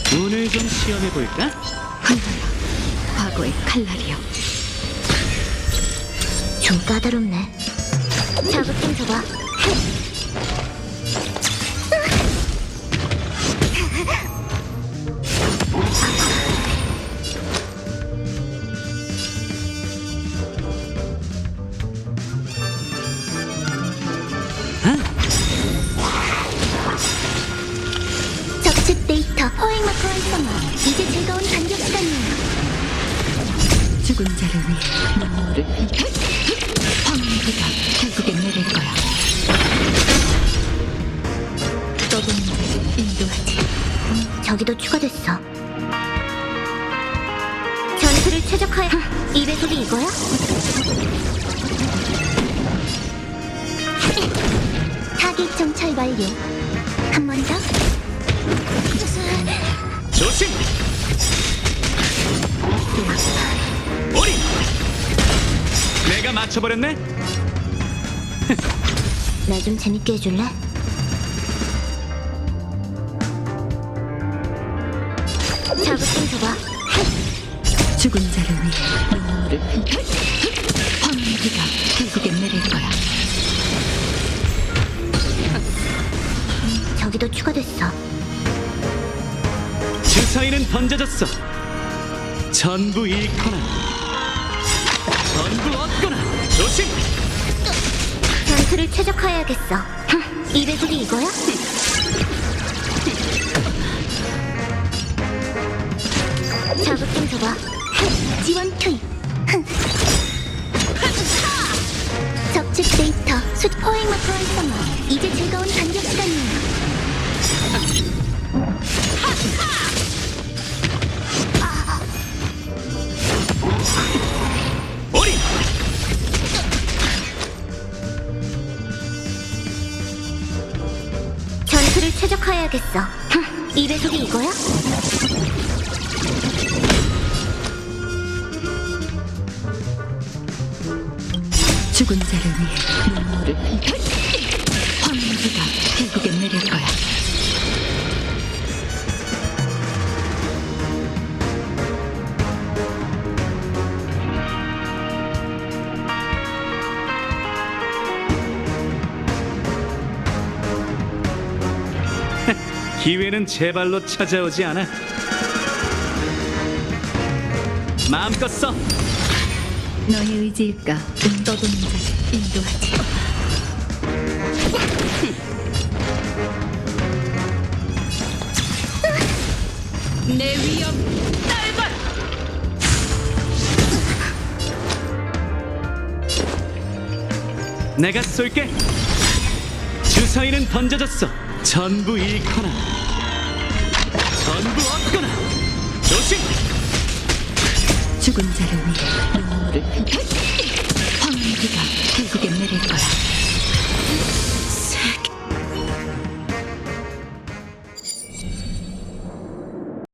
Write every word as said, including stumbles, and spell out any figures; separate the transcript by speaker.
Speaker 1: 오늘 좀 시험해볼까?
Speaker 2: 흩날려 과거의 칼날이여. 좀 까다롭네. 자극 좀 줘봐. 적측 데이터 포획 마크 활성화. 이제 즐거운 반격 시간이에요.
Speaker 3: 죽은 자를 위해 눈물을 황무지가 결국엔 내릴 거야. 떠도는 자를 인도하지.
Speaker 2: 저기도 추가됐어. 전투를 최적화해. 이 배속이 이거야? 타깃 정찰 완료. 한 번 더.
Speaker 1: 조심! 오리! 내가 맞춰버렸네?
Speaker 2: 나 좀 재밌게 해줄래? 자극 좀 줘봐.
Speaker 3: 죽은 자를 위해 눈물을 황무지가 결국엔 내릴 거야.
Speaker 2: 저기도 추가됐어.
Speaker 1: 주사위는 던져졌어. 전부 잃거나 전부 얻거나. 조심!
Speaker 2: 전투를 최적화해야겠어. 이 배속이 이거야? 자극 좀 줘봐. 지원 투입. 적측 데이터 숫 포획 마크 활성화. 이제 즐거운 반격 시간이에요.
Speaker 1: 오리!
Speaker 2: 전투를 최적화해야겠어. 이 배속이 이거야?
Speaker 3: 죽은 자를 위해 눈물을 황무지가 결국엔 내릴 거야.
Speaker 1: 기회는 제 발로 찾아오지 않아. 마음껏 써.
Speaker 3: 너의 의지일까? 떠도는 자를 인도하지. 내 위험 딸발.
Speaker 1: 내가 쏠게. 주사위는 던져졌어. 전부 잃거나 전부 얻거나. 조심!
Speaker 3: 죽은 자를 위해 눈물을